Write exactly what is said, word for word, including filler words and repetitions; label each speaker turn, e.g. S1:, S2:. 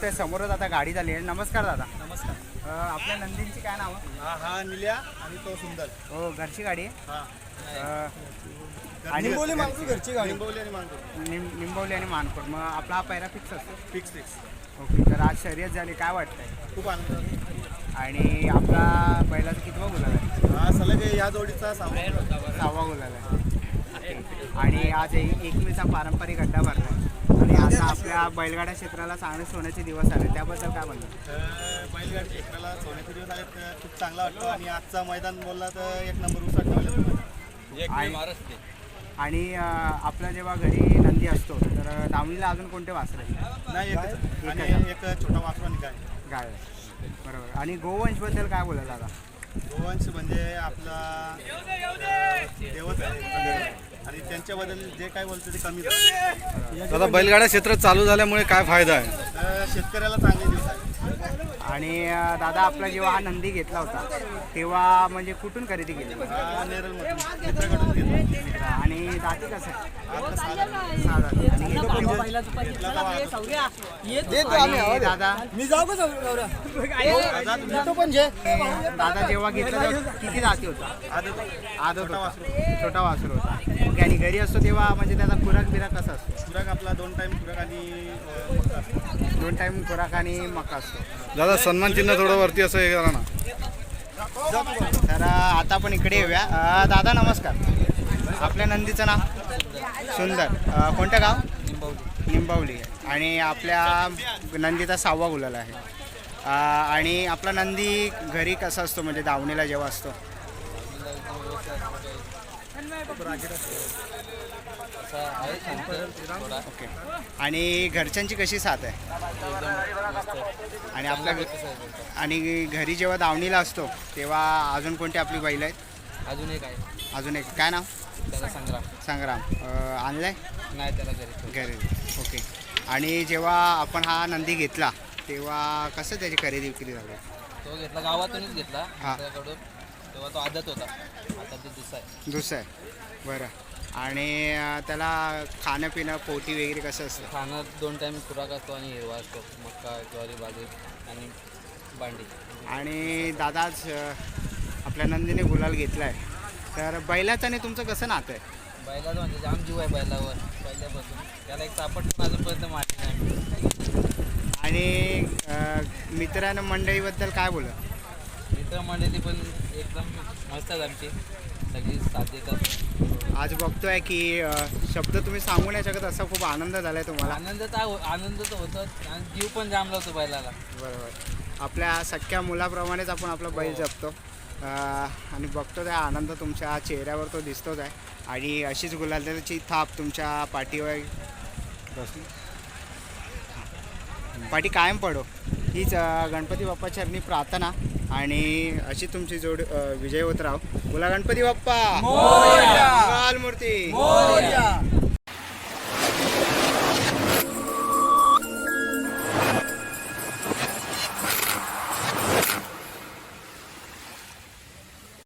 S1: बघतोय समोरच आता गाडी झाली आहे. नमस्कार दादा.
S2: नमस्कार.
S1: अ, आपल्या नंदींची काय नाव?
S2: हा हा निल्या आणि तो सुंदर.
S1: हो घरची गाडी आहे.
S2: हा
S1: अ, आणि
S2: निंबोली मानपूर घरची गाडी. निंबोली आणि मानपूर
S1: निम निंबवली आणि मानपूर. मग आपला हा पहिला फिक्स असतो.
S2: Fix fix.
S1: ओके, तर आज शर्यत झाली, काय वाटतंय?
S2: खूप आनंद.
S1: आणि आपला बैलाचा कितवा गुलाल आहे?
S2: हा सलग या जोडीचा सामान.
S1: सहावा गुलाल आहे. आणि आज एक एकमेचा पारंपरिक अड्डा भरला आहे. आणि आता आपल्या बैलगाडा क्षेत्राला चांगले सोन्याचे दिवस आले, त्याबद्दल काय म्हणतो?
S2: बैलगाडी क्षेत्राला सोन्याचे दिवस आले तर खूप चांगला वाटतो. आणि आजचा मैदान बोलला तर एक नंबर उसाट ठेवला.
S1: आणि अ, आपला जेव्हा घरी नंदी असतो तर दावणीला अजून कोणते वासर आहेत?
S2: नाही एकच. आणि एक छोटा वासरा निघाय
S1: गाय. बरोबर. आणि गोवंशबद्दल काय बोलायला आता?
S2: गोवंश म्हणजे आपला देवच आहे. आणि त्यांच्याबद्दल जे काय बोलतो ते कमी झालं.
S3: आता बैलगाडा क्षेत्र चालू झाल्यामुळे काय फायदा आहे?
S2: तर शेतकऱ्याला चांगले दिवस आहे.
S1: आणि अ, दादा आपला जेव्हा हा नंदी घेतला होता तेव्हा म्हणजे कुठून खरेदी केली?
S2: हा नेरलमधून मित्राकडून घेतला.
S1: आणि दाती कसं आहे?
S2: आता साधा
S1: सहा दाती. आणि
S2: घेतला तेव्हा
S1: आणि दादा
S4: मी जाऊ का तो पण जे
S1: दादा जेव्हा घेतला तेव्हा किती दाती होता?
S2: आदत
S1: आदत होता, छोटा वासरू होता. ओके. आणि घरी असतो तेव्हा म्हणजे त्याचा खुराक बिराक कसा असतो?
S2: खुराक आपला दोन टाइम खुराक आणि अं, मका असतो.
S1: दोन टाईम खुराक आणि मका असतो.
S3: दादा सन्मान चिन्ह थोडं वरती असं हे करा ना.
S1: तर अ, आता आपण इकडे येऊया. अ, दादा नमस्कार. आपल्या नंदीचं नाव? सुंदर. अ, कोणतं गाव? निंबवली. आणि आपल्या नंदीचा सहावा गुलाल आहे. अ, आणि आपला नंदी घरी कसा असतो म्हणजे दावणीला जेव्हा असतो? ओके. आणि घरच्यांची कशी साथ आहे? आणि आपल्या आणि घरी जेव्हा दावणीला असतो तेव्हा अजून कोणती आपली बैल आहेत?
S5: अजून एक आहे,
S1: अजून एक काय नाव?
S5: त्याला संग्राम.
S1: संग्राम. अ, आणलाय
S5: नाही त्याला घरी.
S1: घरी. ओके. आणि जेव्हा आपण हा नंदी घेतला तेव्हा कसं त्याची खरेदी विक्री झाली?
S5: तो घेतला गावातूनच घेतला
S1: हा.
S5: त्याकडून. तेव्हा तो आदत होता, आता तो दुसरा आहे.
S1: दुसरं आहे. बरं. आणि अ, त्याला खाणं पिणं पोटी वगैरे कसं असतं?
S5: खाणं दोन टाईम खुराक असतो आणि हिरवा असतो, मक्का ज्वारी बाजरी आणि भांडी.
S1: आणि दादाच अ, आपल्या नंदीने गुलाल घेतला आहे, तर बैलाचं आणि तुमचं कसं नातं आहे?
S5: बैलाचं म्हणजे जाम जीव आहे बैलावर पहिल्यापासून. त्याला एक चापट पण अजूनपर्यंत मारली नाही.
S1: आणि अ, मित्रांनो मंडळीबद्दल काय बोला?
S5: मित्रमंडळी पण एकदम मस्त आहे आमची, सगळी साथ देतात.
S1: आज बघतोय की अ, शब्द तुम्ही सांगू नाही शकत, असा खूप आनंद झाला आहे तुम्हाला.
S5: आनंद तर हो- आनंद तर होतोच आणि जीव पण जाम लावतो बैलाला.
S1: बरोबर. आपल्या सख्या मुलाप्रमाणेच आपण आपला बैल जपतो. अ, आणि बघतो त्या आनंद तुमच्या चेहऱ्यावर तो दिसतोच आहे. आणि अशीच गुलालाची थाप तुमच्या पाठीवर बसली पाठी कायम पडो, हीच अ, गणपती बाप्पा चरणी प्रार्थना. आणि अशी तुमची जोड अ, विजय होत राहो. बोला गणपती बाप्पा. मंगल मूर्ती.